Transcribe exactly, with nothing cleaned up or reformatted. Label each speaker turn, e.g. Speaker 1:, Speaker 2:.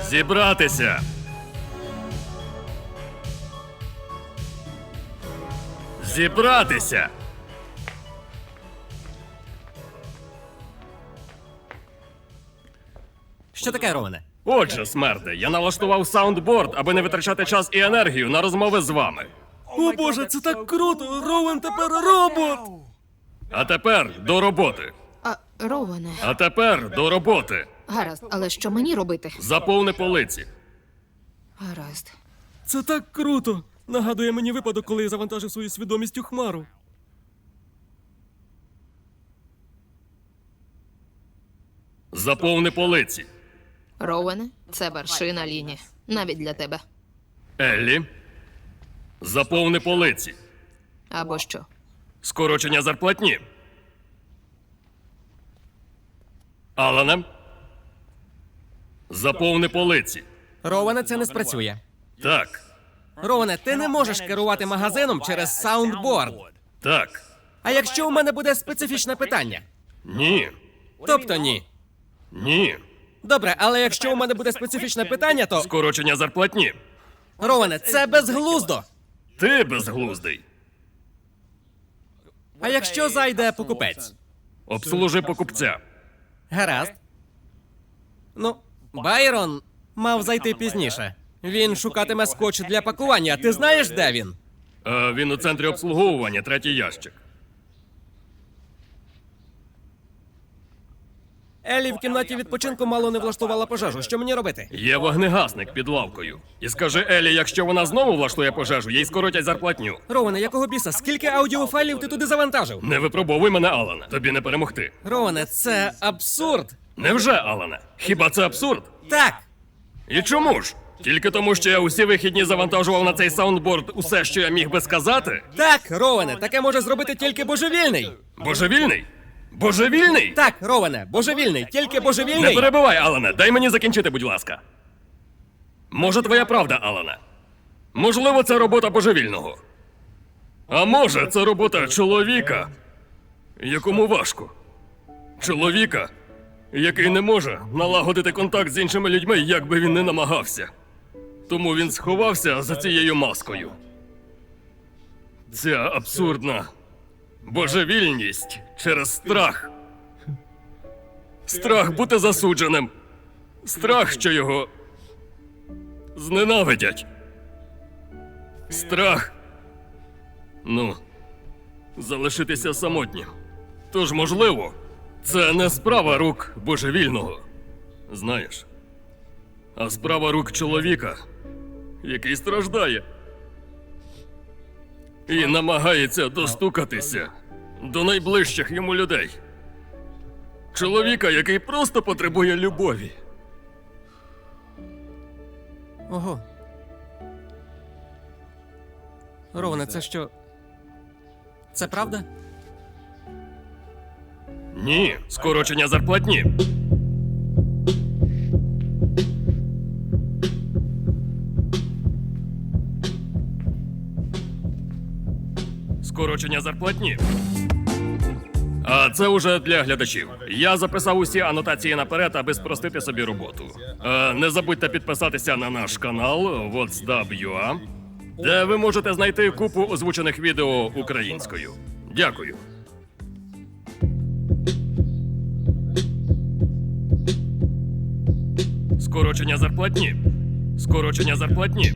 Speaker 1: Зібратися! Зібратися!
Speaker 2: Що таке, Роване?
Speaker 1: Отже, смерде, я налаштував саундборд, аби не витрачати час і енергію на розмови з вами.
Speaker 2: О боже, це так круто! Ровен тепер робот!
Speaker 1: А тепер до роботи.
Speaker 3: А, Роуене,
Speaker 1: А тепер до роботи.
Speaker 3: гаразд, але що мені робити?
Speaker 1: Заповни полиці.
Speaker 3: Гаразд.
Speaker 2: Це так круто! Нагадує мені випадок, коли я завантажив свою свідомість у хмару.
Speaker 1: Заповни полиці.
Speaker 3: Роуене, це вершина лінії. Навіть для тебе.
Speaker 1: Еллі. Заповни полиці.
Speaker 3: Або що?
Speaker 1: Скорочення зарплатні. Алане. Заповни полиці.
Speaker 2: Роване, це не спрацює.
Speaker 1: Так.
Speaker 2: Роване, ти не можеш керувати магазином через саундборд.
Speaker 1: Так.
Speaker 2: А якщо у мене буде специфічне питання?
Speaker 1: Ні.
Speaker 2: Тобто ні.
Speaker 1: Ні.
Speaker 2: Добре, але якщо у мене буде специфічне питання, то.
Speaker 1: Скорочення зарплатні.
Speaker 2: Роване, це безглуздо.
Speaker 1: Ти безглуздий.
Speaker 2: А якщо зайде покупець?
Speaker 1: Обслужи покупця.
Speaker 2: Гаразд. Ну, Байрон мав зайти пізніше. Він шукатиме скотч для пакування. Ти знаєш, де він?
Speaker 1: Е, він у центрі обслуговування, третій ящик.
Speaker 2: Елі в кімнаті відпочинку мало не влаштувала пожежу. Що мені робити?
Speaker 1: Є вогнегасник під лавкою. І скажи Елі, якщо вона знову влаштує пожежу, їй скоротять зарплатню.
Speaker 2: Роване, якого біса? Скільки аудіофайлів ти туди завантажив?
Speaker 1: Не випробовуй мене, Алане. Тобі не перемогти.
Speaker 2: Роване, це абсурд.
Speaker 1: Невже, Алане? Хіба це абсурд?
Speaker 2: Так.
Speaker 1: І чому ж? Тільки тому, що я усі вихідні завантажував на цей саундборд усе, що я міг би сказати?
Speaker 2: Так, Роване, таке може зробити тільки божевільний.
Speaker 1: Божевільний? Божевільний?
Speaker 2: Так, Роване, божевільний, тільки
Speaker 1: Не
Speaker 2: божевільний.
Speaker 1: перебивай, Алане, дай мені закінчити, будь ласка. Може, твоя правда, Алане? Можливо, це робота божевільного. А може, це робота чоловіка, якому важко. Чоловіка, який не може налагодити контакт з іншими людьми, як би він не намагався. Тому він сховався за цією маскою. Ця абсурдна божевільність через страх. Страх бути засудженим. Страх, що його зненавидять. Страх. Ну, залишитися самотнім. Тож, можливо, це не справа рук божевільного. Знаєш, а справа рук чоловіка, який страждає. І намагається достукатися до найближчих йому людей. Чоловіка, який просто потребує любові.
Speaker 2: Ого. Роване, це що? Це правда?
Speaker 1: Ні, скорочення зарплатні. Скорочення зарплатні. А це уже для глядачів. Я записав усі анотації наперед, аби спростити собі роботу. Е, не забудьте підписатися на наш канал What's Dub ю а, де ви можете знайти купу озвучених відео українською. Дякую. Скорочення зарплатні. Скорочення зарплатні.